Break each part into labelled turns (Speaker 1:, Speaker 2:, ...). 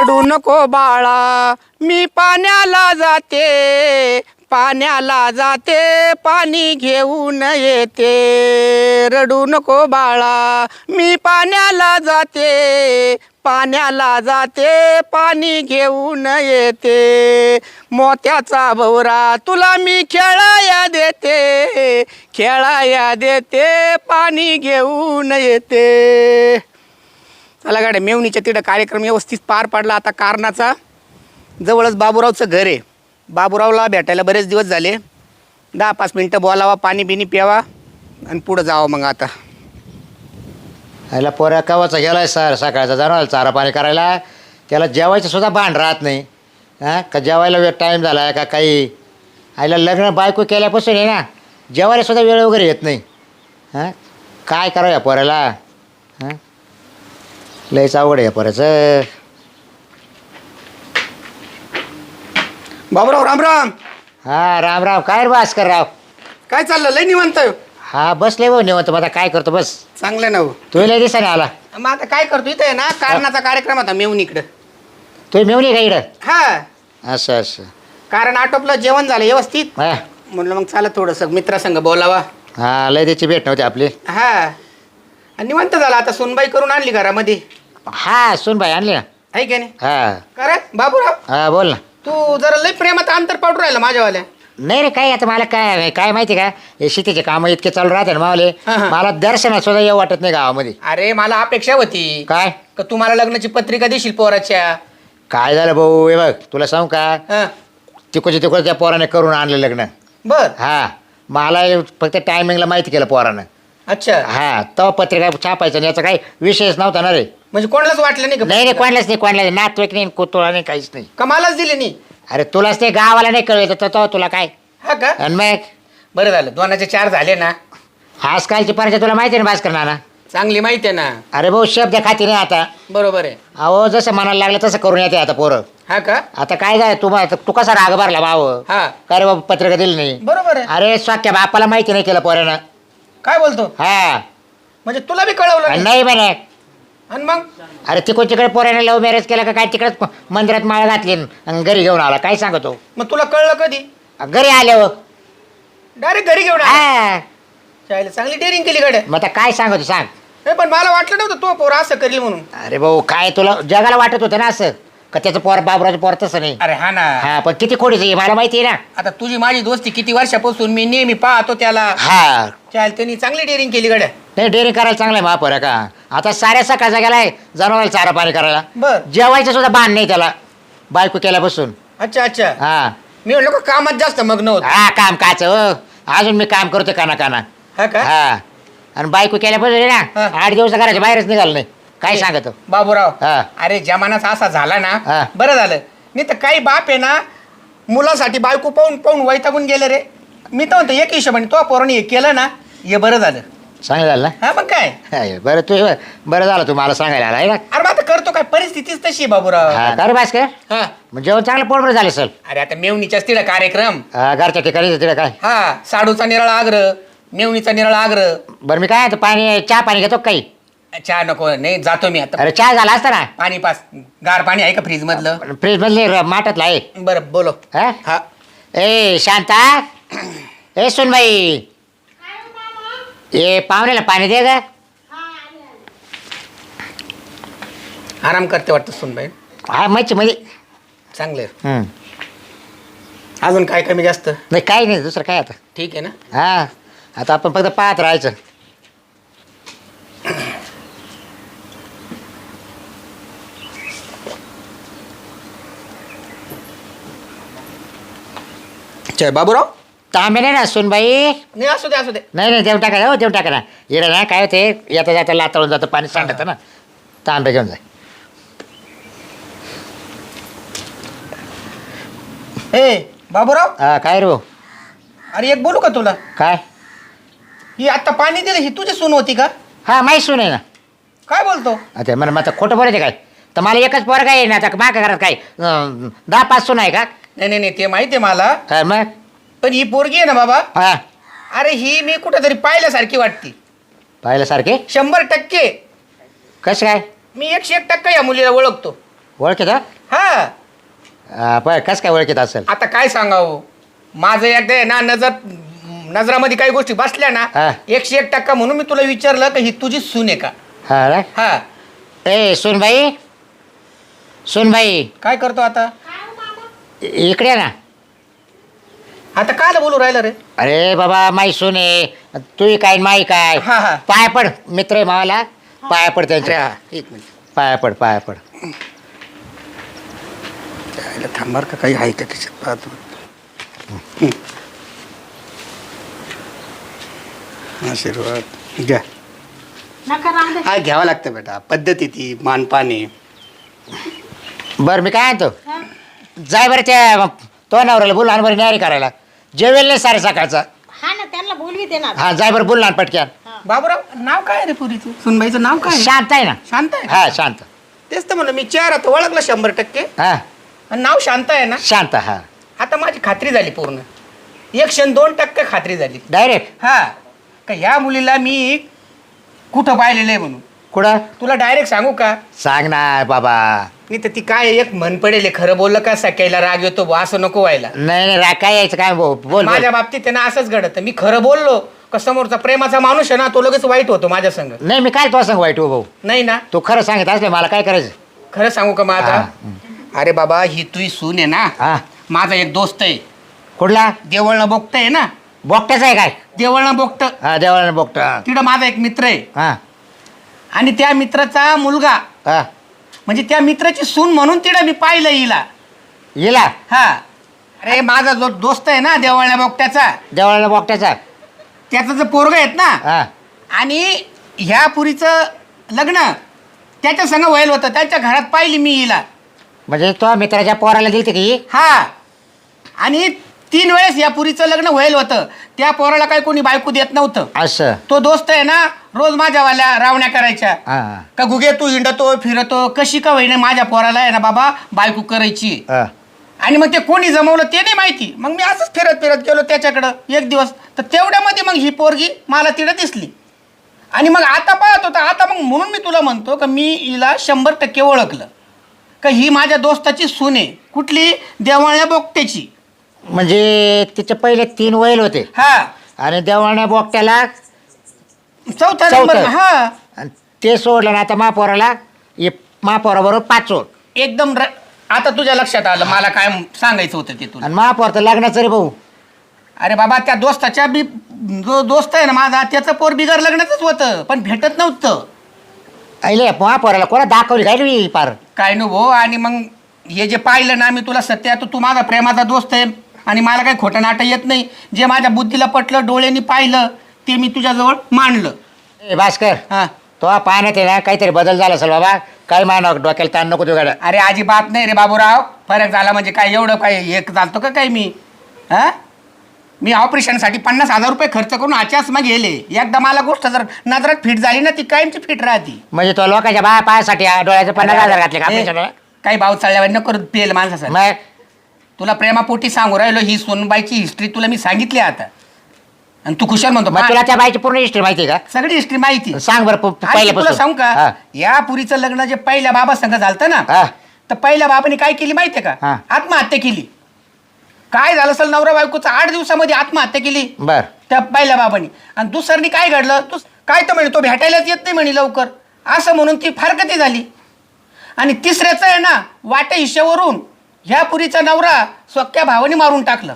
Speaker 1: रडू नको बाळा मी पाण्याला जाते पाण्याला जाते पाणी घेऊन येते रडू नको बाळा मी पाण्याला जाते पाण्याला जाते पाणी घेऊन येते मोत्याचा भवरा तुला मी खेळाया देते पाणी घेऊन येते। चला गाड्या मेवणीच्या तिथं कार्यक्रम व्यवस्थित पार पडला। आता कारणाचा जवळच बाबूरावचं घर आहे, बाबूरावला भेटायला बरेच दिवस झाले, 10-5 मिनटं बोलावा, पाणी बिनी प्यावा आणि पुढं जावं। मग आता
Speaker 2: ह्याला पोऱ्या कवाचा गेलाय सर, सकाळचा जाणार चारा पाणी करायला, त्याला जेवायचं सुद्धा भान राहत नाही। हां का जेवायला वेळ टाईम झाला आहे का काही, आईला लग्न बायको केल्यापासून आहे ना जेवायला सुद्धा वेळ वगैरे येत नाही। हां काय करावं या पोऱ्याला, हां लयच अवघड आहे या पोऱ्याचं।
Speaker 1: बाबूराव राम राम।
Speaker 2: हां राम राम, काय रे भास्कर राव,
Speaker 1: काय चाललं? लय निवांत आहे?
Speaker 2: हा बसले भाऊ निवंत, मग आता काय करतो बस।
Speaker 1: चांगलं ना हो।
Speaker 2: तू लय दिसाने आला,
Speaker 1: मग आता काय करतो इथे ना कारणाचा कार्यक्रम आता मेवणीकडं।
Speaker 2: तू मेवणी का इकडं?
Speaker 1: हा
Speaker 2: असं असं,
Speaker 1: कारण आटोपलं, जेवण झालं व्यवस्थित,
Speaker 2: हां
Speaker 1: म्हणलं मग चला थोडंसं मित्रासंग बोलावा।
Speaker 2: हां लय त्याची भेट नव्हती आपली।
Speaker 1: हा आणि निवांत झाला आता, सुनबाई करून आणली घरामध्ये,
Speaker 2: हां सून बाई आणली ना।
Speaker 1: आहे की नाही?
Speaker 2: हां
Speaker 1: का रे बाबूराव,
Speaker 2: हां बोल ना।
Speaker 1: तू जरा लय प्रेमात अंतर पाडू राहिला माझ्यावाल्या।
Speaker 2: नाही रे काय आता मला काय काय माहिती का, हे शेतीचे कामं इतके चालू राहते ना मावले,
Speaker 1: हां, हां.
Speaker 2: मला दर्शनात सुद्धा येऊ वाटत नाही गावामध्ये।
Speaker 1: अरे मला अपेक्षा होती
Speaker 2: काय
Speaker 1: का तुम्हाला लग्नाची पत्रिका देशील पोराच्या।
Speaker 2: काय झालं भाऊ, हे बघ तुला सांगू का,
Speaker 1: हा
Speaker 2: तिकडच्या त्या पोराने करून आणलं लग्न।
Speaker 1: बर,
Speaker 2: हा मला फक्त टायमिंगला माहिती केलं पोरानं।
Speaker 1: अच्छा,
Speaker 2: हा तो पत्रिका छापायचं आणि याचा काही विषयच नव्हता ना रे।
Speaker 1: म्हणजे कोणालाच वाटलं नाही का?
Speaker 2: नाही रे कोणालाच नाही, कोणाला नातवेक नाही, कुतुळा नाही, काहीच नाही।
Speaker 1: कमालाच दिली नाही?
Speaker 2: अरे तुलाच ते गावाला नाही कळलं तर तुला काय।
Speaker 1: हा का?
Speaker 2: आणि मग
Speaker 1: बरं झालं, 2चे 4 झाले ना।
Speaker 2: आजकालची परिचय तुला माहिती आहे ना भास्कर नाना।
Speaker 1: चांगली माहिती आहे ना।
Speaker 2: अरे भाऊ शब्द खाती नाही आता।
Speaker 1: बरोबर आहे।
Speaker 2: अहो जसं मनाला लागलं तसं करून येते आता पोरं।
Speaker 1: हा का?
Speaker 2: आता काय झालं तू कसा राग भरला भाव,
Speaker 1: हा
Speaker 2: काय रे बाबा पत्रिका दिली नाही।
Speaker 1: बरोबर आहे।
Speaker 2: अरे स्वाक्या बापाला माहिती नाही केलं पोरानं।
Speaker 1: काय बोलतो?
Speaker 2: हा
Speaker 1: म्हणजे तुला बी कळवलं
Speaker 2: आणि
Speaker 1: नाही?
Speaker 2: नाही म्हणे,
Speaker 1: आणि मग
Speaker 2: अरे तिकडे पोरानं लव्ह मॅरेज केलं का काय, तिकडेच मंदिरात माळ घातली आणि घरी घेऊन आला, काय सांगतो।
Speaker 1: मग तुला कळलं कधी?
Speaker 2: घरी आल्यावर
Speaker 1: डायरेक्ट घरी घेऊन आला?
Speaker 2: हा
Speaker 1: चालेल, चांगली डेअरिंग केली गड्या।
Speaker 2: मग आता काय सांगतो सांग।
Speaker 1: नाही पण मला वाटलं नव्हतं तो पोर असं करेल म्हणून।
Speaker 2: अरे भाऊ काय तुला जगाला वाटत होतं ना असं का त्याचं पोर बाबराचं पोर तसं नाही।
Speaker 1: अरे हा ना।
Speaker 2: हा पण किती खोडीचं आहे मला माहिती आहे ना।
Speaker 1: आता तुझी माझी दोस्ती किती वर्षापासून मी नेहमी पाहतो त्याला।
Speaker 2: हा
Speaker 1: चाल, त्यांनी चांगली डेअरिंग केली गड्या।
Speaker 2: नाही डेअरिंग करायला चांगलं आहे महापोर आहे का, आता साऱ्या सकाळचा गेलाय जनावराला चारा पाणी करायला,
Speaker 1: बर,
Speaker 2: जेवायचं सुद्धा बाण नाही त्याला बायको केल्यापासून।
Speaker 1: अच्छा अच्छा।
Speaker 2: हा
Speaker 1: मी म्हणलो का कामात जास्त मग्न होत?
Speaker 2: हा काम काच अजून मी काम करतो काना काना।
Speaker 1: हा का?
Speaker 2: हा आणि बायको केल्यापासून आहे
Speaker 1: हा.
Speaker 2: ना 8 दिवस घराच्या बाहेरच निघालं नाही, काय सांगतो
Speaker 1: बाबूराव,
Speaker 2: हा.
Speaker 1: अरे जमानाच असा झाला
Speaker 2: हा.
Speaker 1: ना, बरं झालं। नाही तर काही बाप आहे ना मुलासाठी बायको पाहून पाहून वैतागून गेले रे। मी तर म्हणतो एक हिशोबाने तो पोराने हे केलं ना, हे बरं झालं।
Speaker 2: चांगलं झालं
Speaker 1: हा मग काय?
Speaker 2: ना बरं तू बरं झालं तू मला सांगायला आला आहे ना।
Speaker 1: अरे मग आता करतो काय, परिस्थितीच तशी आहे बाबूराव।
Speaker 2: हा कर भास्कर,
Speaker 1: हा
Speaker 2: मग जेवण चांगलं पोटभर झालं सर।
Speaker 1: अरे आता मेवणीच्याच तिला कार्यक्रम,
Speaker 2: घरच्या ठिकाणी तिकडे काय।
Speaker 1: हा साडूचा निराळा आग्रह, मेवणीचा निराळा आग्रह।
Speaker 2: बरं मी काय पाणी चहा पाणी घेतो का काही?
Speaker 1: चहा नको, नाही जातो मी आता।
Speaker 2: अरे चहा झाला असता ना,
Speaker 1: पाणी पास, गार पाणी आहे का फ्रीज मधलं?
Speaker 2: फ्रीज मधले माठातला आहे।
Speaker 1: बरं बोलो।
Speaker 2: हा
Speaker 1: हा
Speaker 2: ए शांता, ए सुनबाई, ए पाहुण्याला पाणी दे ग।
Speaker 1: आराम करते वाटतं सुनबाई?
Speaker 2: हा मच्छी म्हणजे
Speaker 1: चांगले। अजून काय कमी जास्त?
Speaker 2: नाही काही नाही दुसरं काय आता।
Speaker 1: ठीक आहे ना?
Speaker 2: हा आता आपण फक्त पाहत राहायचं।
Speaker 1: जय बाबूराव।
Speaker 2: तांबे नाही ना सुनबाई?
Speaker 1: नाही असू दे असू दे।
Speaker 2: नाही नाही देऊ टाका, हो देऊ टाका ना। इकडे ना काय होते येता जाता लाताळून जातं पाणी सांडतं ना, तांबे घेऊन जाय।
Speaker 1: ए बाबूराव,
Speaker 2: हा काय रे भाऊ?
Speaker 1: अरे एक बोलू का तुला?
Speaker 2: काय?
Speaker 1: ही आता पाणी दिलं ही तुझी सून होती का?
Speaker 2: हा माहीत सून आहे ना।
Speaker 1: काय बोलतो?
Speaker 2: अच्छा मला आता खोटं बोलायचं काय, तर मला एकच पोरगा आहे ना, आता मागं घरात काय 10-5 सून आहे का?
Speaker 1: नाही नाही नाही, ते माहिती आहे मला,
Speaker 2: काय मग?
Speaker 1: पण ही पोरगी आहे ना बाबा,
Speaker 2: हा
Speaker 1: अरे ही मी कुठेतरी पाहिल्यासारखी वाटती।
Speaker 2: पाहिल्यासारखे?
Speaker 1: 100%।
Speaker 2: कसं काय?
Speaker 1: मी 101% या मुलीला ओळखतो।
Speaker 2: ओळखी का?
Speaker 1: हा
Speaker 2: पण कस काय ओळखीत असेल?
Speaker 1: आता काय सांगावं, माझं एकदा आहे ना नजरामध्ये काही गोष्टी बसल्या ना
Speaker 2: हा.
Speaker 1: 101% म्हणून मी तुला विचारलं की ही तुझी सून आहे का.
Speaker 2: हा रे?
Speaker 1: हा
Speaker 2: ए सुनबाई, सुनबाई
Speaker 1: काय करतो आता?
Speaker 2: इकडे ये ना.
Speaker 1: आता काय बोलू राहिलं रे?
Speaker 2: अरे बाबा माई सून आहे, तू काय माई काय.
Speaker 1: हा, हा.
Speaker 2: पाया पड, मित्र आहे मावाला, पाया पड
Speaker 1: अरे
Speaker 2: त्यांच्या.
Speaker 1: हा, एक मिनिट
Speaker 2: पाया पड, पाया पड.
Speaker 1: त्याला थांबार का काही आहे का त्याच्यात पाहतो. आशीर्वाद घ्या.
Speaker 3: नका राहू दे.
Speaker 1: हा घ्यावं लागतं बेटा, पद्धती ती मानपाने.
Speaker 2: बरं मी काय आणतो,
Speaker 3: हा?
Speaker 2: जाय बरं त्या तो नवऱ्याला बोल आणि बरं न्यारी करायला. जेवेल नाही सारे सकाळचा.
Speaker 3: हा ना, त्यांना बोलवी ना.
Speaker 2: हा जाय बरं बोल ना पटक्यान.
Speaker 1: बाबूराव नाव काय रे पुरीचं? सुनबाईचं नाव काय?
Speaker 2: शांत आहे ना.
Speaker 1: शांत आहे.
Speaker 2: हा शांत.
Speaker 1: तेच तर म्हणलं मी चेहरा तर ओळखला 100%.
Speaker 2: हा
Speaker 1: आणि नाव शांत आहे ना.
Speaker 2: शांत. हा
Speaker 1: आता माझी खात्री झाली पूर्ण, 102% खात्री झाली.
Speaker 2: डायरेक्ट.
Speaker 1: हा का ह्या मुलीला मी कुठं पाहिलेलं आहे म्हणून.
Speaker 2: कुठं?
Speaker 1: तुला डायरेक्ट सांगू का?
Speaker 2: सांग ना बाबा.
Speaker 1: नाही तर ती काय एक म्हण पडेल, खरं बोललं का सकाळीला राग येतो बुवा, असं नको व्हायला.
Speaker 2: नाही नाही काय यायचं काय बोल.
Speaker 1: माझ्या बाबतीत त्यांना असंच घडतं, मी खरं बोललो का समोरचा प्रेमाचा माणूस आहे ना तो लगेच वाईट होतो माझ्या संग.
Speaker 2: नाही मी काय तो सांग वाईट हो भाऊ.
Speaker 1: नाही ना,
Speaker 2: तू खरं सांगत असले मला काय करायचं.
Speaker 1: खरं सांगू का माझा?
Speaker 2: हा.
Speaker 1: अरे बाबा ही तुझी सून आहे ना,
Speaker 2: हा
Speaker 1: माझा एक दोस्त आहे,
Speaker 2: कुठला?
Speaker 1: देवळनं बोगट आहे ना,
Speaker 2: बोगट्याचा आहे काय?
Speaker 1: देवळनं बोगट.
Speaker 2: हा देवाला बोगट. हा
Speaker 1: तिकडं माझा एक मित्र आहे
Speaker 2: हा
Speaker 1: आणि त्या मित्राचा मुलगा
Speaker 2: हा.
Speaker 1: म्हणजे त्या मित्राची सून म्हणून तिकडं मी पाहिलं हिला.
Speaker 2: येला
Speaker 1: हा अरे माझा जो दोस्त आहे ना देवळण्या बोगट्याचा,
Speaker 2: देवाला बोगट्याचा.
Speaker 1: त्याचं जे पोरगं आहेत ना,
Speaker 2: हा
Speaker 1: आणि ह्या पुरीचं लग्न त्याच्या संग व्हायला होतं, त्याच्या घरात पाहिली मी हिला.
Speaker 2: म्हणजे तो मित्राच्या पोराला दिलते की?
Speaker 1: हा आणि 3 वेळेस या पुरीचं लग्न व्हायला होतं. त्या पोराला काही कोणी बायको देत नव्हतं.
Speaker 2: असं.
Speaker 1: तो दोस्त आहे ना रोज माझ्यावाल्या रावण्या करायच्या
Speaker 2: हा
Speaker 1: का गुगे तू हिंडतो फिरतो, कशी का होईना माझ्या पोराला आहे ना बाबा बायको करायची.
Speaker 2: हा.
Speaker 1: आणि मग ते कोणी जमवलं ते नाही माहिती. मग मी असंच फिरत फिरत गेलो त्याच्याकडं एक दिवस, तर तेवढ्यामध्ये मग ही पोरगी मला तिकडं दिसली. आणि मग आता पाहत होता, आता मग म्हणून मी तुला म्हणतो का मी हिला 100% ओळखलं का ही माझ्या दोस्ताची सून आहे. कुठली? देवाळ्या बोगट्याची.
Speaker 2: म्हणजे तिचे पहिले 3 वैल होते
Speaker 1: हा
Speaker 2: आणि देवाळ्या बोगट्याला
Speaker 1: चौथा नंबर.
Speaker 2: चौथं.
Speaker 1: हा
Speaker 2: आणि ते सोडलं ना आता महापोराला, महापोराबरोबर 5
Speaker 1: एकदम आता तुझ्या लक्षात आलं मला काय सांगायचं होतं ते तुला.
Speaker 2: आणि महापौर तर लग्नाचं रे भाऊ.
Speaker 1: अरे बाबा त्या दोस्ताच्या जो दोस्त आहे ना माझा त्याचं पोर बिगर लग्नाचंच होतं पण भेटत नव्हतं.
Speaker 2: ऐले महापौराला कोणा दाखवली काय रे पार.
Speaker 1: काय नको. आणि मग हे जे पाहिलं ना मी तुला सत्य, आता तू माझा प्रेमाचा दोस्त आहे आणि मला काही खोटं नाटं येत नाही. जे माझ्या बुद्धीला पटलं, डोळ्यांनी पाहिलं ते मी तुझ्याजवळ मांडलं.
Speaker 2: ए भास्कर,
Speaker 1: हां
Speaker 2: तो पाहण्यात आहे ना काहीतरी बदल झाला असेल बाबा. काय मानव डोक्याला ताण नको तू गाड्या.
Speaker 1: अरे अजिबात नाही रे बाबूराव, फरक झाला म्हणजे काय एवढं काय एक चालतो का काय मी? हां मी ऑपरेशनसाठी 50,000 रुपये खर्च करून आच्याच मग गेले. एकदा मला गोष्ट जर नजरात फिट झाली ना ती कायमची फिट राहते.
Speaker 2: म्हणजे तो लोकांच्या पायासाठी डोळ्याचे 50,000 घातले का आपल्या?
Speaker 1: काही भाव चालल्यावर नको पेल माणसासाठी.
Speaker 2: मग
Speaker 1: तुला प्रेमापोटी सांगू राहिलो, ही सोनबाईची हिस्ट्री तुला मी सांगितली आता आणि तू खुशाल म्हणतो.
Speaker 2: मग तुला त्या बाईची पूर्ण हिस्ट्री माहिती आहे का?
Speaker 1: सगळी हिस्ट्री माहिती.
Speaker 2: सांग बरं
Speaker 1: तुला
Speaker 2: पहिल्यापासून.
Speaker 1: सांगू
Speaker 2: हा.
Speaker 1: का, या पुरीचं लग्न जे पहिल्या बाबा संग झालतं ना,
Speaker 2: हा.
Speaker 1: तर पहिल्या बाबाने काय केली माहितीये
Speaker 2: हा.
Speaker 1: का? आत्महत्या केली. काय झालं असेल, नवरा बायकोचं 8 दिवसामध्ये आत्महत्या केली
Speaker 2: बर.
Speaker 1: त्या पहिल्या बाबांनी. आणि दुसऱ्यानी काय घडलं, तू काय तर म्हणे तो भेटायलाच येत नाही म्हणे लवकर, असं म्हणून ती फारकती झाली. आणि तिसऱ्याचं आहे ना वाटे हिश्श्यावरून ह्या पुरीचा नवरा सख्या भावाने मारून टाकलं.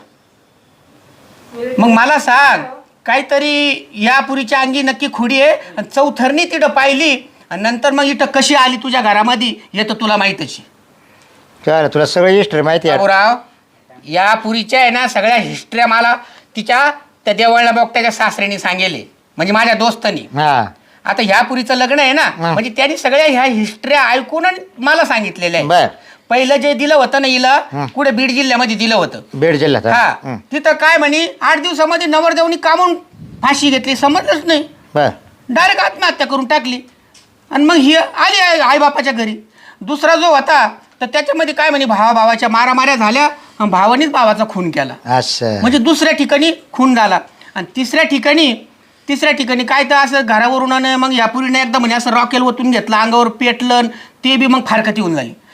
Speaker 1: मग मला सांग काहीतरी या पुरीच्या अंगी नक्की खुडी आहे. आणि चौथरनी तिथं पाहिली आणि नंतर मग इथं कशी आली तुझ्या घरामध्ये हे तर तुला माहीतच आहे.
Speaker 2: चल तुला सगळी हिस्ट्री माहिती आहे.
Speaker 1: बाबूराव, या पुरीच्या आहे ना सगळ्या हिस्ट्र्या मला तिच्या त्या देवळला बघत्याच्या सासऱ्याने सांगेले, म्हणजे माझ्या दोस्तानी.
Speaker 2: हा.
Speaker 1: आता ह्या पुरीचं लग्न आहे ना,
Speaker 2: हा.
Speaker 1: म्हणजे त्यांनी सगळ्या ह्या हिस्ट्र्या ऐकून आणि मला सांगितलेल्या
Speaker 2: बर.
Speaker 1: आहे. पहिलं जे दिलं होतं ना हिला,
Speaker 2: हा.
Speaker 1: कुठे बीड जिल्ह्यामध्ये दिलं होतं.
Speaker 2: बीड जिल्ह्यात.
Speaker 1: हा तिथं काय म्हणे 8 दिवसामध्ये नवरदेवनी कामून फाशी घेतली, समजलंच नाही,
Speaker 2: बर.
Speaker 1: डायरेक्ट आत्महत्या करून टाकली. आणि मग ही आली आईबापाच्या घरी. दुसरा जो होता तर त्याच्यामध्ये काय म्हणे भावाच्या मारामाऱ्या झाल्या आणि भावानीच भावाचा खून केला,
Speaker 2: असं.
Speaker 1: म्हणजे दुसऱ्या ठिकाणी खून झाला. आणि तिसऱ्या ठिकाणी काय तर असं घरावरून मग या पुरीने एकदा म्हणे असं रॉकेल ओतून घेतलं, अंगावर पेटलं, ते बी मग फारकती होऊन झाली.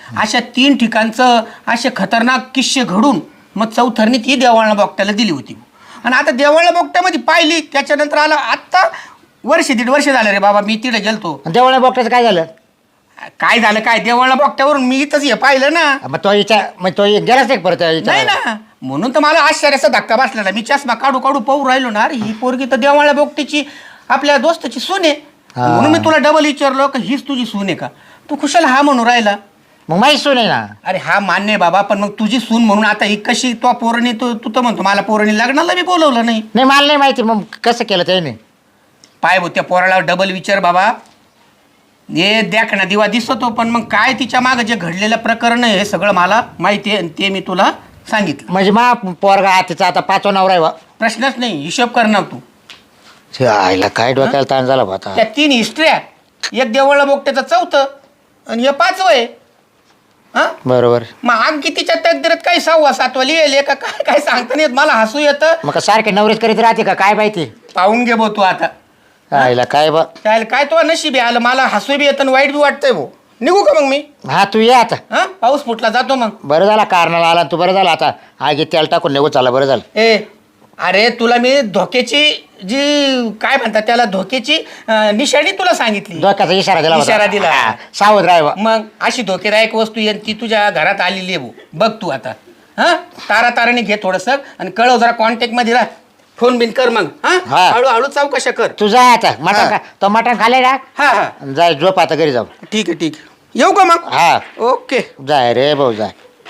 Speaker 1: अशा 3 ठिकाणचं असे खतरनाक किस्से घडून मग चौथरनी ती देवाळा बोगट्याला दिली होती. आणि आता देवाळा बोगट्यामध्ये पाहिली, त्याच्यानंतर आला आत्ता 1.5 वर्ष झालं रे बाबा मी तिथे गेलतो.
Speaker 2: देवळा बोगट्याचं काय झालं?
Speaker 1: काय झालं काय, देवाळा बोगट्यावरून मी इथंच हे पाहिलं ना.
Speaker 2: मग तो गेलाच नाही परत
Speaker 1: नाही ना, म्हणून तर मला आश्चर्याचा धक्का बसलेला. मी चष्मा काढू काढू पाहू राहिलो ना, अरे ही पोरगी तर देवाळा बोगट्याची आपल्या दोस्ताची सून आहे. म्हणून मी तुला डबल विचारलो की हीच तुझी सून आहे का. तू कुशाला हा म्हणून राहिला.
Speaker 2: मग माहीत सून आहे ना.
Speaker 1: अरे हा मान्य आहे बाबा, पण मग तुझी सून म्हणून आता ही कशी तो पोरणी, तू तर म्हणतो मला पोरणी लग्नाला मी बोलवलं नाही.
Speaker 2: नाही मला नाही माहिती, मग कसं केलं त्याने?
Speaker 1: पाय भाऊ त्या पोराला डबल विचार बाबा. हे देख ना दिवा दिसतो, पण मग काय तिच्या मागं जे घडलेलं प्रकरण आहे हे सगळं मला माहिती आहे आणि ते मी तुला सांगितलं.
Speaker 2: म्हणजे मा पोरगा तिचा आता 5वा नवरा आहे.
Speaker 1: प्रश्नच नाही, हिशोब करणार तू.
Speaker 2: आईला काय डोक्याला ताण झाला आता.
Speaker 1: त्या 3 हिस्ट्र्या, एक देवळा बोगट्याचं 4थं आणि हे 5वं आहे. हा
Speaker 2: बरोबर.
Speaker 1: मग आणखी तिच्या तकदीरात काही 6वा 7वा लिहिले का काय काय सांगता नाही येत. मला हसू येतं.
Speaker 2: मग का सारखे नवरेच करीत राहते का काय माहिती.
Speaker 1: पाहून घे भाऊ तू आता.
Speaker 2: आईला काय बा.
Speaker 1: त्याला काय तो नशीब आहे आलं. मला हसू बी येतं आणि वाईट बी वाटतंय भाऊ. निघू का मग मी?
Speaker 2: हा तू ये आता.
Speaker 1: हा पाऊस फुटला जातो मग.
Speaker 2: बरं झाला कारणाला आला तू. बरं झालं आता आगी तेल टाकून निघू चालला. बरं झालं.
Speaker 1: ए अरे तुला मी धोक्याची जी काय म्हणतात त्याला धोक्याची निशाणी तुला सांगितली.
Speaker 2: धोक्याचा इशारा दिला होता.
Speaker 1: इशारा दिला.
Speaker 2: हा, सावध राहावं.
Speaker 1: मग अशी धोकेदायक वस्तू आहे ती तुझ्या घरात आलेली आहे भाऊ. बघ तू आता. हा ताराने घे थोडंसं आणि कळव जरा कॉन्टॅक्ट मध्ये राह. फोन बिन कर मग. हा
Speaker 2: हा.
Speaker 1: हळूहळू चौकशा कर.
Speaker 2: तू जा आता. मटण
Speaker 1: हा.
Speaker 2: तो मटण खाल्ले ना.
Speaker 1: हा हा
Speaker 2: जाय झोप आता घरी जाऊ.
Speaker 1: ठीक आहे ठीक आहे. येऊ का मग?
Speaker 2: हा
Speaker 1: ओके.
Speaker 2: जाय रे भाऊ जाय.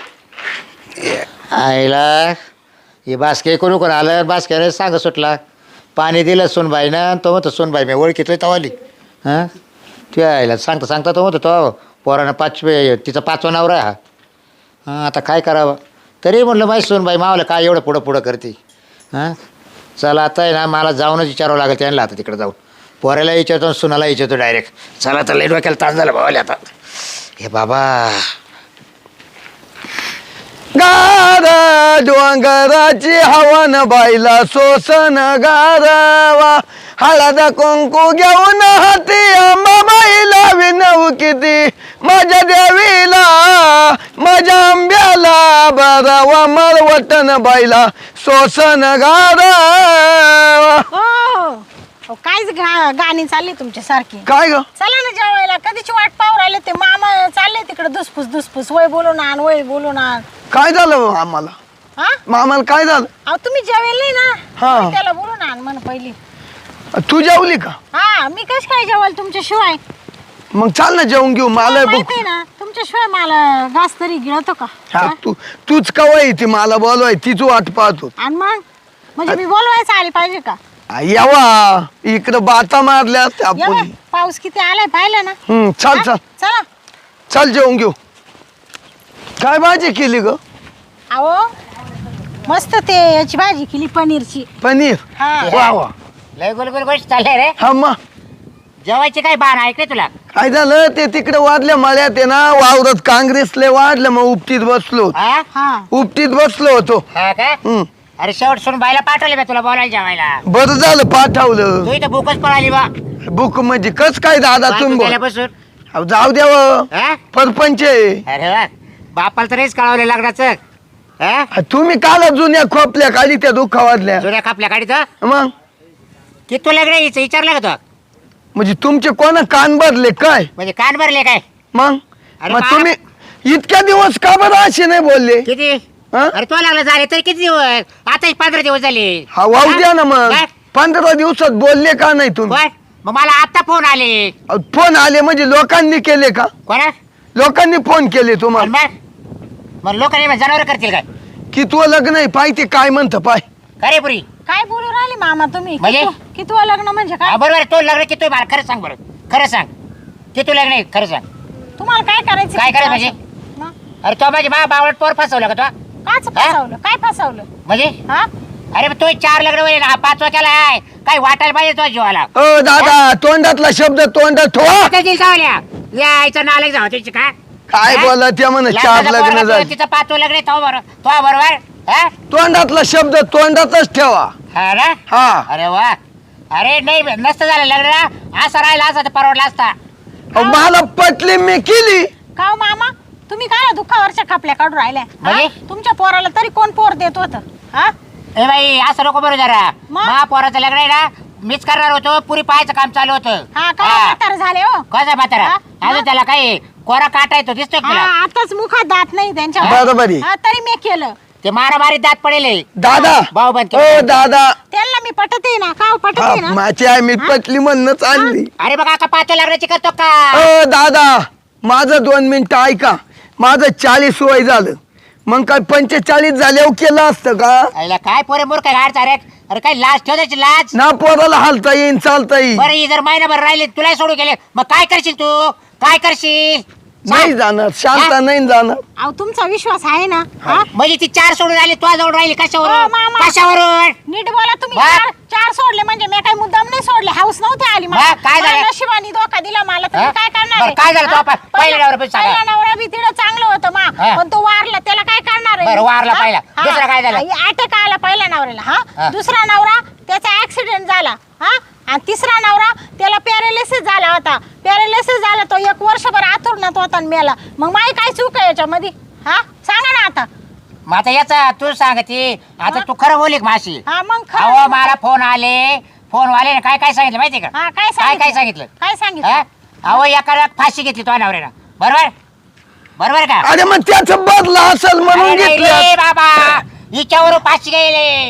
Speaker 2: आईला हे बासके कोणी कोण आलं. बासक्याने सांग सुटला. पाणी दिलं सोनबाईनं. तो म्हणतो सोनबाई मी ओळखीतोय तवाली. हां तू आईला सांगता सांगता तो म्हणतो तो पोरानं 5वे तिचा 5वा नवरा आहे हा. हां आता काय करावं. तरी म्हटलं माहीत सोनबाई मावलं काय एवढं पुढं पुढं करते. हां चला आता आहे ना मला जाऊनच विचारावं लागेल त्यांना आता तिकडे जाऊन. पोराला विचारतो सुनाला विचारतो डायरेक्ट. चला आता लई डोक्याला ताण झाला भावाले आता. हे बाबा
Speaker 4: गारा डोंगराची हवन बाईला सोसन गारावा हळद कुंकू घेऊन हाती अंबाबाईला विनव किती माझ्या देवीला माझ्या आंब्याला बरावा मरवटन बाईला सोसन गारावा.
Speaker 3: हो कायच गाणी चालली तुमच्या सारखी.
Speaker 4: काय ग?
Speaker 3: चला ना जेवायला. कधीची वाट पाहू राहिले. ते मामा चालले तिकडे दुसफूस वय बोलून आण वय बोलून आण.
Speaker 4: काय झालं आम्हाला?
Speaker 3: हा
Speaker 4: आम्हाला काय झालं?
Speaker 3: अहो तुम्ही जेवेल नाही ना.
Speaker 4: हा.
Speaker 3: त्याला बोलून आण म्हण पहिली.
Speaker 4: तू जेवली का?
Speaker 3: हा मी कश काय जेवाल तुमच्याशिवाय.
Speaker 4: मग चाल ना जेवून घेऊ. मला
Speaker 3: तुम्हाला माहिती आहे ना तुमच्याशिवाय मला घास तरी गिळतो का.
Speaker 4: हा तूच कवाय ती मला बोलवाय तीच वाट पाहतो.
Speaker 3: आणि मग म्हणजे मी बोलवायचं आली पाहिजे का.
Speaker 4: यावा इकडं बाता मारल्या
Speaker 3: ये
Speaker 4: आपण.
Speaker 3: बाय, पाऊस किती आलाय पाहिलं ना.
Speaker 4: चल
Speaker 3: हा?
Speaker 4: चल
Speaker 3: चला.
Speaker 4: चल जेवून घेऊ. काय भाजी केली ग?
Speaker 3: अहो मस्त ते याची भाजी केली पनीरची.
Speaker 4: पनीर.
Speaker 3: हा
Speaker 4: वा वा.
Speaker 2: लय गोल गोल गोष्ट चालले रे.
Speaker 4: हा मग
Speaker 2: जेवायची काय बाण ऐकले तुला.
Speaker 4: काय झालं ते तिकडे वाढल्या मळ्यात आहे ना वावरत काँग्रेसले वाढलं मग उपटीत बसलो.
Speaker 2: हा
Speaker 3: हा
Speaker 4: उपटीत बसलो होतो.
Speaker 2: हा का.
Speaker 4: हम्म.
Speaker 2: अरे शेवट सोन बाईला पाठवले मी तुला बोलायला जेवायला.
Speaker 4: बरं झालं पाठवलं.
Speaker 2: तू इथं भूकच पळाली बा.
Speaker 4: बुक म्हणजे कस काय दादा तुम्ही बोल.
Speaker 2: गेल्यापासून.
Speaker 4: अहो, जाऊ द्यावं
Speaker 2: हा?
Speaker 4: परपंच आहे.
Speaker 2: अरे वा बापाला तर हेच कळवले लग्नाचं. हा
Speaker 4: तुम्ही काला जुन्या खोपल्या काली त्या दुःखावादल्या
Speaker 2: जुन्या कापल्या गाडीचं.
Speaker 4: मग
Speaker 2: की तू लग्न यायचं विचारलं का तो.
Speaker 4: म्हणजे तुमचे कोणा कान भरले काय
Speaker 2: म्हणजे कान भरले काय.
Speaker 4: मग
Speaker 2: अरे
Speaker 4: मग
Speaker 2: बाळा.
Speaker 4: तुम्ही इतक्या दिवस का बरं असे नाही बोलले.
Speaker 2: किती.
Speaker 4: हा?
Speaker 2: अरे तो लागला झाले तरी किती दिवस. आता 15 दिवस झाले.
Speaker 4: हा वाहू द्या ना मग.
Speaker 2: काय?
Speaker 4: 15 दिवसात बोलले का नाही तुम्ही.
Speaker 2: बर मग मला आता फोन आले.
Speaker 4: अहो, फोन आले म्हणजे लोकांनी केले का.
Speaker 2: कोणा.
Speaker 4: लोकांनी फोन केले तुम्हाला
Speaker 2: मग लोकांनी जनावर करतील काय.
Speaker 4: की तू लग्न आहे पाय ते काय म्हणतं पाय.
Speaker 2: खरे पुरी.
Speaker 3: काय बोलू राहिले मामा तुम्ही.
Speaker 2: म्हणजे?
Speaker 3: कितवं लग्न म्हणजे काय.
Speaker 2: बरोबर तो लग्न किती मला खरं सांग बरं. खरं सांग किती लग्न आहे खरं सांग.
Speaker 3: तुम्हाला काय करायचं.
Speaker 2: काय करायचं म्हणजे?
Speaker 3: मग?
Speaker 2: अरे तो माझी बावळट पोर फसवलं का तो.
Speaker 3: काच फसवलं काय फसवलं.
Speaker 2: म्हणजे
Speaker 3: हा
Speaker 2: अरे तो 4 लग्न होईल हा 5वा केला आहे. काय वाटायला पाहिजे तो जीवाला.
Speaker 4: अ दादा तोंडातला शब्द तोंडात ठेवा.
Speaker 2: कधी जावल्या यायचं नालायक जाऊ त्याची का.
Speaker 4: काय बोला त्या म्हणे 4 लग्न झाले.
Speaker 2: तिचं 5वं लग्न आहे तो बरोबर. हा?
Speaker 4: तोंडातला शब्द तोंडातच ठेवा.
Speaker 2: हा ना.
Speaker 4: हा
Speaker 2: अरे वा. अरे नाही नसतं झालं लग्न असं राहिलं असं तर परवडला असता.
Speaker 4: अहो, मला पटली मी केली.
Speaker 3: का हो मामा तुम्ही काय दुःखावरच्या खापल्या काढून राहिल्या
Speaker 5: म्हणजे?
Speaker 3: हा? तुमच्या पोराला तरी कोण पोर देत होत हा
Speaker 5: ए बाई असं नको बरं जरा
Speaker 3: मग?
Speaker 5: मा पोराचं लग्न आहे ना मीच करणार होतो पुरी पाहायचं काम चालू होतं
Speaker 3: हा काय म्हातारं झाले हो
Speaker 5: कसं म्हातारा
Speaker 3: हा?
Speaker 5: अजून त्याला काही कोरा काटा येतो दिसतोय का
Speaker 3: हा,
Speaker 5: तुला
Speaker 3: आताच मुखात दात नाही त्यांच्या
Speaker 4: बरोबर आहे.
Speaker 3: हा, तरी मी केलं
Speaker 5: ते मारामारी दात पडेल
Speaker 4: दादा
Speaker 5: भाऊ बंद
Speaker 4: ओ दादा
Speaker 3: त्यांना मी पटते ना का पटते ना
Speaker 4: माझी आई मी पटली म्हणून चालली
Speaker 5: अरे बघा का पाहतो लग्नाची करतो का
Speaker 4: ओ दादा माझं 2 मिनिटं ऐका माझं 40 वय झालं मग काय 45 झाल्यावर केलं असतं का
Speaker 5: आईला काय पोरे मूर्ख गाड चारे अरे काय लाज ठेवायची लाज
Speaker 4: ना पोराला हालता येईन चालता येईल
Speaker 5: बरं ही जर महिनाभर राहिले तुला सोडून गेले मग काय करशील तू काय करशील
Speaker 4: नाही जाणार शांत
Speaker 5: हा?
Speaker 4: नाही जाणार
Speaker 3: अहो तुमचा विश्वास आहे ना हा?
Speaker 5: म्हणजे ती 4 सोडून आली तुझ्या जवळ राहिली
Speaker 3: हो,
Speaker 5: कशावरून
Speaker 3: मामा.
Speaker 5: कशावरून
Speaker 3: नीट बोला तुम्ही
Speaker 5: वा.
Speaker 3: चार सोडले म्हणजे मी काही मुद्दाम नाही सोडले हाऊस नव्हती आली
Speaker 5: वा, काय झालं?
Speaker 3: मला नशिबाने धोका दिला मला तुम्ही
Speaker 5: हा?
Speaker 3: काय करणार
Speaker 5: बरं,
Speaker 3: आहे?
Speaker 5: काय झालं तो
Speaker 3: हा?
Speaker 5: आपण? पहिल्या नवऱ्यापाशी सांगा.
Speaker 3: पहिला नवरा बी तिला चांगलं होतं मा
Speaker 5: हा.
Speaker 3: पण तो वारला त्याला काय करणार आहे
Speaker 5: बरं, वारला
Speaker 3: हा?
Speaker 5: पहिला.
Speaker 3: हा.
Speaker 5: दुसरा काय झालं?
Speaker 3: अटॅक आला पहिल्या नवऱ्याला
Speaker 5: हा.
Speaker 3: हा दुसरा नवरा त्याचा ऍक्सिडेंट झाला हा आणि तिसरा नवरा त्याला पॅरालिसिस झाला होता पॅरालिसिस झाला तो 1 वर्षभर आथुरण्यात होता आणि मेला मग माई काय चूक आहे याच्यामध्ये हा सांगा ना आता
Speaker 5: मग आता याचा तू सांगते आता तू खरं बोली माशी
Speaker 3: हा मग खरं
Speaker 5: अहो
Speaker 3: नाही
Speaker 5: मला फोन आले फोन वाले काय काय सांगितलं माहिती का
Speaker 3: हा काय
Speaker 5: काय सांगितलं
Speaker 3: काय सांगितलं
Speaker 5: हा? अहो एका फाशी घेतली तो नवऱ्यानं बरोबर बरोबर का
Speaker 4: अरे मग त्याचं बदला असेल म्हणून
Speaker 5: अरे नाही
Speaker 4: घेतलं
Speaker 5: रे बाबा हिच्यावरून फाशी गेले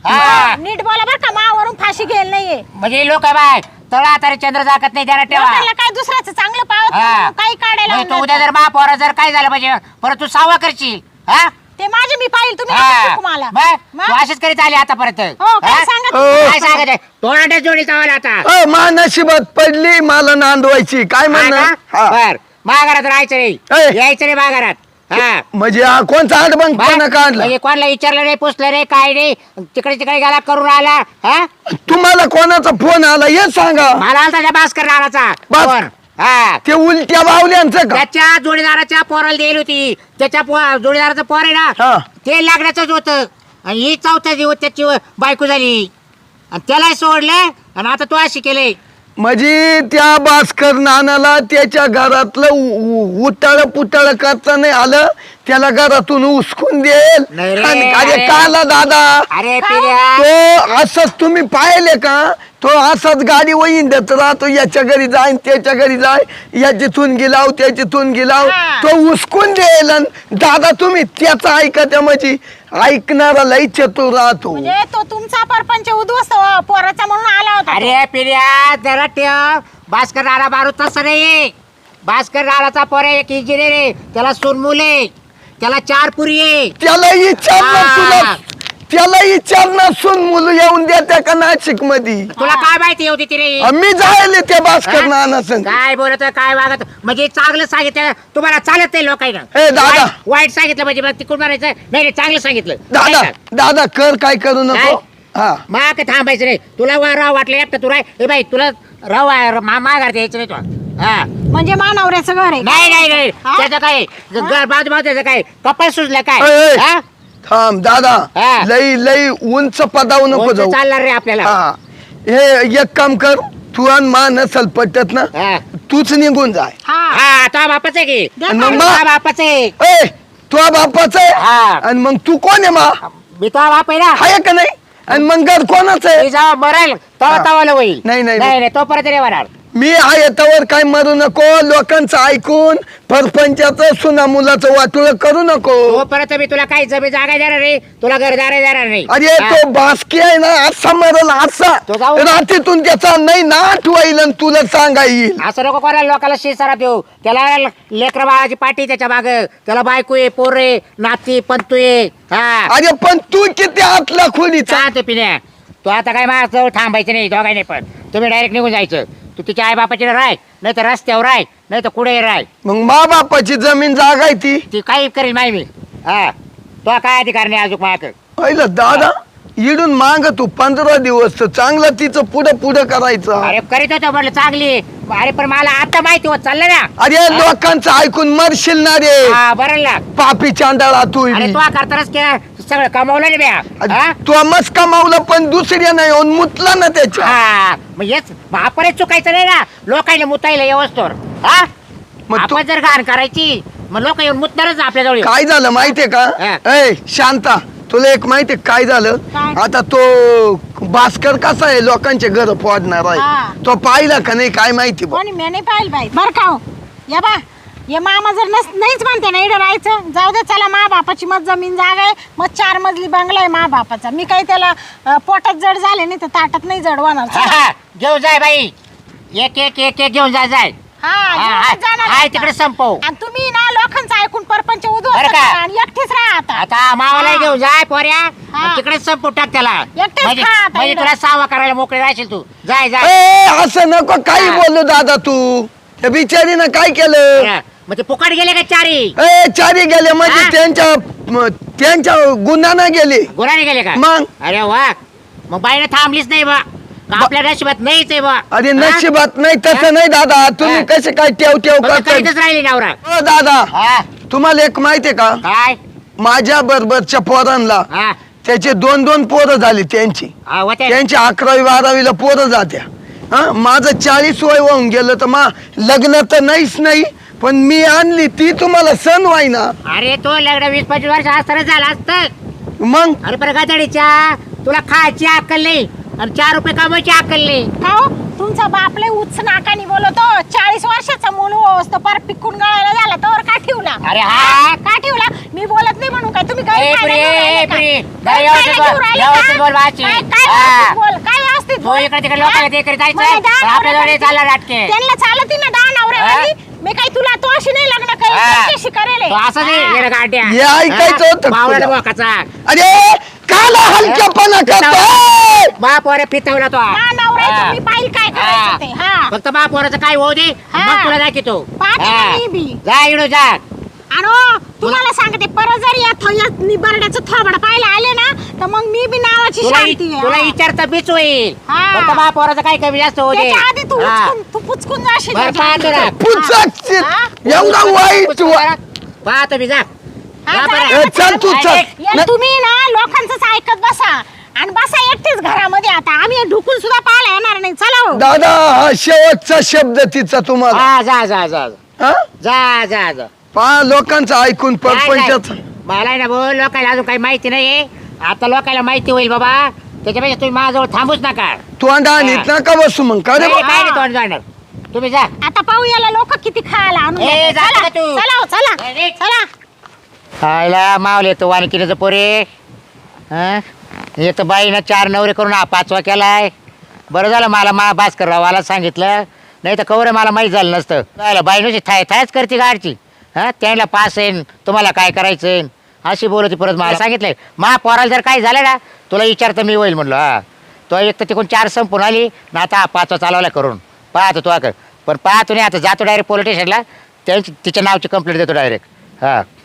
Speaker 5: हा
Speaker 3: नीट बोला बरं का मावरून फाशी घ्यायला नाहीये
Speaker 5: म्हणजे लोक बाय तळा तरी चंद्र जागत नाही त्याला ठेवा
Speaker 3: लोकांना काय दुसऱ्याचं चांगलं पावत
Speaker 5: हा.
Speaker 3: नाही, काही काढायला
Speaker 5: म्हणजे तू
Speaker 3: आणलं
Speaker 5: उद्या
Speaker 3: तर.
Speaker 5: जर महापौर जर काय झालं पाहिजे परत तू सावा करशील हा
Speaker 3: ते माझे मी पाहिल तुम्ही
Speaker 5: हा.
Speaker 3: नका शिकू मला
Speaker 5: बघ,
Speaker 3: मग?
Speaker 5: तू अशीच करीत आली आतापर्यंत
Speaker 3: हो काय
Speaker 5: हा?
Speaker 3: सांगत
Speaker 4: हो.
Speaker 3: तुम्ही?
Speaker 5: काय सांगत आहे तोंडाच्या जोडी चावला आता
Speaker 4: अ, मा नशिबात पडली मला नांदवायची काय म्हणणं हा.
Speaker 5: बर महागारात राहायचं
Speaker 4: ए.
Speaker 5: नाही यायचं नाही महागारात हा
Speaker 4: म्हणजे हा कोणचा आडबंग
Speaker 5: बघ,
Speaker 4: कोणा काढला
Speaker 5: म्हणजे कोणाला विचारलं नाही पुसलं नाही काय नाही तिकडे तिकडे गेला करून आला हा
Speaker 4: तुम्हाला कोणाचा फोन आला हे सांगा
Speaker 5: मला आलता त्या भास्कर नावाचा
Speaker 4: बस.
Speaker 5: फोन. हा
Speaker 4: ते उलट्या बावल्यांचं का
Speaker 5: त्याच्या जोडीदाराच्या पोराला दिली होती त्याच्या जोडीदाराचं पोर आहे
Speaker 4: हा.
Speaker 5: ना ते लागण्याचंच होतं आणि ही चौथ्या दिवस त्याची बायको झाली आणि त्याला सोडलं आणि आता तो अशी केले
Speaker 4: म्हणजे त्या भास्कर नानाला त्याच्या घरातलं उटाळ पुटाळ करता नाही आलं त्याला घरातून उचकून देईल
Speaker 5: नाही रे,
Speaker 4: आणि अरे
Speaker 5: अरे.
Speaker 4: काला दादा
Speaker 5: अरे पिऱ्या
Speaker 4: तो असंच तुम्ही पाहिले का तो असाच गाडी वहीन देत राहतो याच्या घरी जाईन त्याच्या घरी जाय याच्यातून गेलाव त्याच्यातून गेलाव
Speaker 3: हा.
Speaker 4: तो उचकून देईल आणि दादा तुम्ही त्याचा ऐका म्हणजे ऐकणारा लई चतुर राहतो
Speaker 3: म्हणजे तो तुमचा परपंच उद्ध्वस्त पोराचा म्हणून आला होता तो.
Speaker 5: अरे पिऱ्या जरा ठेव भास्कर नाना मारू तसं नाही भास्कर नानाचा पोर आहे एक इंजिनियर आहे त्याला सून मुले त्याला 4 पुरी आहे
Speaker 4: त्याला विचारणार
Speaker 5: हा.
Speaker 4: तुला त्याला विचारणार सून मुलं येऊन देत्या का नाशिक मध्ये
Speaker 5: तुला काय माहिती होती तिने
Speaker 4: मी जायले त्या भास्कर
Speaker 5: हा?
Speaker 4: नाना संग
Speaker 5: काय बोलत काय वागत म्हणजे चांगलं सांगितलं तुम्हाला चालत नाही लोकांना
Speaker 4: ए, दादा.
Speaker 5: वाईट सांगितलं म्हणजे मग तिकडून मारायचं नाही नाही, चांगलं सांगितलं
Speaker 4: दादा
Speaker 5: नाही का?
Speaker 4: दादा कर काय करू नको
Speaker 5: काय?
Speaker 4: हा
Speaker 5: मग काय थांबायचं नाही तुला राव वाटलं एकटं तू राय ए बाई तुला माघार द्यायचं नाही तुला हा
Speaker 3: म्हणजे मानवऱ्याचं घर आहे
Speaker 5: नाही नाही नाही
Speaker 3: हा?
Speaker 5: त्याचं काय घर बाजू त्याचं काय कपाळ सुजलं काय
Speaker 4: ए, ए.
Speaker 5: हा?
Speaker 4: थांब दादा
Speaker 5: हा.
Speaker 4: लई लई उंच पदावर नको
Speaker 5: कोणतं
Speaker 4: जाऊ
Speaker 5: चालणार रे आपल्याला
Speaker 4: हा हे एक काम कर तू आणि मा नसल पटत ना
Speaker 5: हा
Speaker 4: तूच निघून जाय
Speaker 3: हा
Speaker 5: हा तो बापाच आहे की
Speaker 3: द्या
Speaker 4: मग
Speaker 3: काढून.
Speaker 4: मा-
Speaker 5: तो बापाच आहे
Speaker 4: ए तू बापाच आहे
Speaker 5: हा.
Speaker 4: आणि मग तू कोण आहे मा
Speaker 5: मी तो बाप आहे ना
Speaker 4: आहे का नाही आणि मग घर कोणाच आहे
Speaker 5: मी जेव्हा मरेल तेव्हा
Speaker 4: हा.
Speaker 5: तवाला होईल
Speaker 4: नाही, नाही,
Speaker 5: नाही नाही तोपर्यंत नाही होणार
Speaker 4: मी आहे तवर काय मरू नको लोकांचं ऐकून परपंचाचं सुना मुलाचं वाटोळ करू नको
Speaker 5: तोपर्यंत मी तुला काही जमीन जागा देणार नाही तुला घरदार देणार नाही
Speaker 4: अरे
Speaker 5: हा.
Speaker 4: तो बासकी आहे ना असा मरल असा
Speaker 5: तो जाऊ.
Speaker 4: रात्रीतून त्याचा नाही नाट होईल आणि तुला सांगा येईल
Speaker 5: असं नको कोणाला लोकांना शिसारा देऊ त्याला लेकर बाळाची पाठी त्याच्या माग त्याला बायको आहे पोर आहे नाती पंतू आहे हा
Speaker 4: अरे पण तू किती आतला खोलीचा
Speaker 5: चालतो पिण्या तू आता काय माझ्या जवळ थांबायचं नाही दोघांनी पण तुम्ही डायरेक्ट निघून जायचं तू तिच्या आई बापाची राय नाही तर रस्त्यावर राय नाही तर कुठे राय
Speaker 4: मग मा बापाची जमीन जागा आहे ती
Speaker 5: ती काही करेल माही मी हा तो काय अधिकार नाही अजून माझ्याकडे
Speaker 4: पहिलं दादा इडून माग तू 15 दिवस तर चांगलं तिचं पुढं पुढं करायचं
Speaker 5: अरे करीत होतो म्हटलं चांगली अरे पण मला आता माहिती होत चाललं ना
Speaker 4: अरे लोकांचं ऐकून मरशील ना रे
Speaker 5: हा बरं ना
Speaker 4: पापी चांडाळा तू
Speaker 5: अरे तो करतानाच सगळं कमावलं नाही ब्या हा?
Speaker 4: तू मस्त कमावलं पण दुसऱ्या नाही येऊन मुतला ना त्याच्या
Speaker 5: हा मग हेच वापरच चुकायचं नाही ना लोकांना मुतायला व्यवस्थोर हा
Speaker 4: मग तू-
Speaker 5: आपण जर घाण करायची मग लोक येऊन मुतणारच आपल्या जवळ.
Speaker 4: काय झालं माहितीये
Speaker 5: हा.
Speaker 4: का ए शांता, तुला एक माहितीये काय झालं?
Speaker 3: काय?
Speaker 4: आता तो भास्कर कसा आहे, लोकांचे घर फोडणार
Speaker 3: हा.
Speaker 4: आहे. तो पाहिला का नाही काय माहिती बा.
Speaker 3: कोणी मी नाही पाहिलं बाई बर का हो. या बा ये मामा जर नाहीच म्हणते ना इकडे राहायचं, जाऊ दे चला, मा बापाची मत जमीन जागा आहे, मग 4 मजली बंगला आहे मा बापाचा. मी काही त्याला पोटात जड झाले नाही तर ताटात नाही जड होणार. चला.
Speaker 5: घेऊन जाय बाई, एक एक एक एक घेऊन जाय.
Speaker 3: हा जाणार
Speaker 5: हाय
Speaker 3: आता.
Speaker 5: तिकडे संपव.
Speaker 3: आणि तुम्ही ना लोकांचं ऐकून परपंच उद्ध्वस्त
Speaker 5: बरं का?
Speaker 3: करा आणि एकटीच राहा आता.
Speaker 5: आता मावाला
Speaker 3: हा.
Speaker 5: घेऊन जाय पोऱ्या,
Speaker 3: हा.
Speaker 5: तिकडे संपू टाक त्याला.
Speaker 3: एकटेच
Speaker 5: म्हणजे
Speaker 3: खा आता
Speaker 5: म्हणजे
Speaker 3: इकडं.
Speaker 5: तुला सावा करायला मोकळे राहशील तू. जाय जाय.
Speaker 4: ए असं नको काही बोललो दादा तू. त्या बिचारीनं काय केलं?
Speaker 5: मग ते फुकट गेले का चारी?
Speaker 4: ए चारी गेले म्हणजे
Speaker 5: हा?
Speaker 4: त्यांच्या गुन्ह्यानं गेले.
Speaker 5: गुराने गेले का?
Speaker 4: मग?
Speaker 5: अरे वा, मग बाईने थांबलीच नाही बा. का आपल्या नशिबात नाहीच आहे बा.
Speaker 4: अरे नशिबात नाही तसं नाही दादा, तुम्ही
Speaker 5: हा.
Speaker 4: कसे काय ठेव
Speaker 5: फक्त
Speaker 4: करता?
Speaker 5: करीतच राहिली नवरा.
Speaker 4: हो दादा,
Speaker 5: हा,
Speaker 4: तुम्हाला एक माहितीये का?
Speaker 5: काय?
Speaker 4: माझ्या बरोबरच्या पोरांना
Speaker 5: हा,
Speaker 4: त्याचे 2-2 पोरं झाली त्यांची.
Speaker 5: हा, होते.
Speaker 4: त्यांची 11वी-12वीला पोरं जात्या. हा माझं 40 वय होऊन गेलं तर लग्न तर नाहीच नाही, पण मी आणली ती तुम्हाला सण व्हायना.
Speaker 5: अरे तो लग्न 20-25 वर्ष असताना झाला असत.
Speaker 4: मग
Speaker 5: अरे पण गादडीच्या तुला खायची अक्कल नाही आणि 4 रुपये कमवायची अक्कल नाही.
Speaker 3: का हो? तुमचा बाप लय उच्च नाकानी बोलतो. 40 वर्षाचा मूल होस तर पार पिकून गळायला झाला तर का ठेवला?
Speaker 5: अरे हा.
Speaker 3: का ठेवला? मी बोलत नाही म्हणून काय तुम्ही
Speaker 5: ए,
Speaker 3: गैरफायदा
Speaker 5: प्रिय,
Speaker 3: घेऊन राहिले का?
Speaker 5: प्रिय.
Speaker 3: गैरफायदा
Speaker 5: व्यवस्थित बोल,
Speaker 3: घेऊन राहिले
Speaker 5: व्यवस्थित
Speaker 3: का?
Speaker 5: बोल बाची.
Speaker 3: काय
Speaker 5: हा.
Speaker 3: व्यवस्थित बोल? काय व्यवस्थित
Speaker 5: तो
Speaker 3: बोल?
Speaker 5: इकडे तिकडे लोकांना ते करीत जायचं.
Speaker 3: मला दहा
Speaker 5: पण आपल्या
Speaker 3: नवरे
Speaker 5: जवळ चालला नाटके.
Speaker 3: त्यांना चालती ना 10 नवऱ्यावाली. मी काही तुला तो अशी नाही लग्न करेल,
Speaker 5: हा.
Speaker 3: त्याच्याशी करेल.
Speaker 5: तो असं नाही
Speaker 3: हा.
Speaker 5: येणं गाड्या.
Speaker 4: हे ऐकायचं होतं
Speaker 5: बावळा
Speaker 4: तुला.
Speaker 5: बोकाचा.
Speaker 4: अरे काला हलक्यापणा करतोय.
Speaker 5: बाप वर फितवला तो.
Speaker 3: हा, नवरा आहे, तुम्ही पाहिल काय करायचं ते. हा.
Speaker 5: फक्त बाप वरचं काय होऊ दे,
Speaker 3: हा.
Speaker 5: मग तुला दाखवतो.
Speaker 3: पाहते ना
Speaker 5: हा.
Speaker 3: मी बी.
Speaker 5: जा इकडं जा.
Speaker 3: आणि तुम्हाला सांगते परत जर या निबरड्याचं थोबड पाहायला आले ना तर मग मी बी नावाची शांती आहे.
Speaker 5: तुला
Speaker 3: हा.
Speaker 5: विचारता बीच होईल.
Speaker 3: हा.
Speaker 5: फक्त बाप वरचं काही कमी जास्त होऊ दे.
Speaker 3: त्याच्या आधी तू
Speaker 5: हा.
Speaker 3: तू पुचकून जाशील
Speaker 5: बरं,
Speaker 3: त्याच्या
Speaker 5: पाहतो
Speaker 3: आधी.
Speaker 5: ना.
Speaker 4: पुचक
Speaker 3: हा.
Speaker 4: एवढा वाईट
Speaker 5: पाहतो मी जा.
Speaker 3: हा,
Speaker 5: जा
Speaker 3: जा
Speaker 5: बरं.
Speaker 3: ना,
Speaker 4: चल तू
Speaker 3: चल.
Speaker 4: चल.
Speaker 3: या तुम्ही ना लोकांचंच ऐकत बसा आणि बसा एकटेच घरामध्ये. आता आम्ही ढुकून सुद्धा पाहायला येणार नाही. चला हो.
Speaker 4: दादा हा शेवटचा शब्द तिचा तुम्हाला.
Speaker 5: हा, जा जा जा जा.
Speaker 4: हा?
Speaker 5: जा जा जा.
Speaker 4: पहा लोकांचं ऐकून परपंचाच.
Speaker 5: काय? मला ना बोल, लोकांना अजून काही माहिती नाही. आता लोकांना माहिती होईल बाबा, त्याच्यापेक्षा तुम्ही माझ्याजवळ थांबूच नका.
Speaker 4: तोंडा आणीत नका बसू मग का रे
Speaker 5: नाही,
Speaker 4: बा?
Speaker 5: काय नाही तोंड जाणार. तुम्ही जा.
Speaker 3: आता पाहू याला लोक किती खायला आणून
Speaker 5: ए,
Speaker 3: देतात.
Speaker 5: जा
Speaker 3: चला
Speaker 5: का तू?
Speaker 3: चला हो, चला
Speaker 5: ए, निघ.
Speaker 3: चला.
Speaker 5: खायला मावले तो वानकिनीचं पोरे. हं? एक तर बाईनं 4 नवरे करून हा 5वा केलाय. बरं झालं मला भास्कर रावाला सांगितलं, नाही तर कवरे मला माहीत झालं नसतं. झालं बाईनुची थायच करते गाडची. हां, त्यांना पास येईन, तुम्हाला काय करायचं आहे अशी बोलती. परत मला सांगितलंय पोराला जर काही झालं ना तुला विचारतं मी होईल म्हणलं. हा, तो एक तर तिकडून 4 संपून आली ना, आता हा 5वा चालवला करून पाहतो तो पण पाहतो नाही. आता जातो डायरेक्ट पोलीस स्टेशनला, तिच्या नावची कंप्लेंट देतो डायरेक्ट. हां.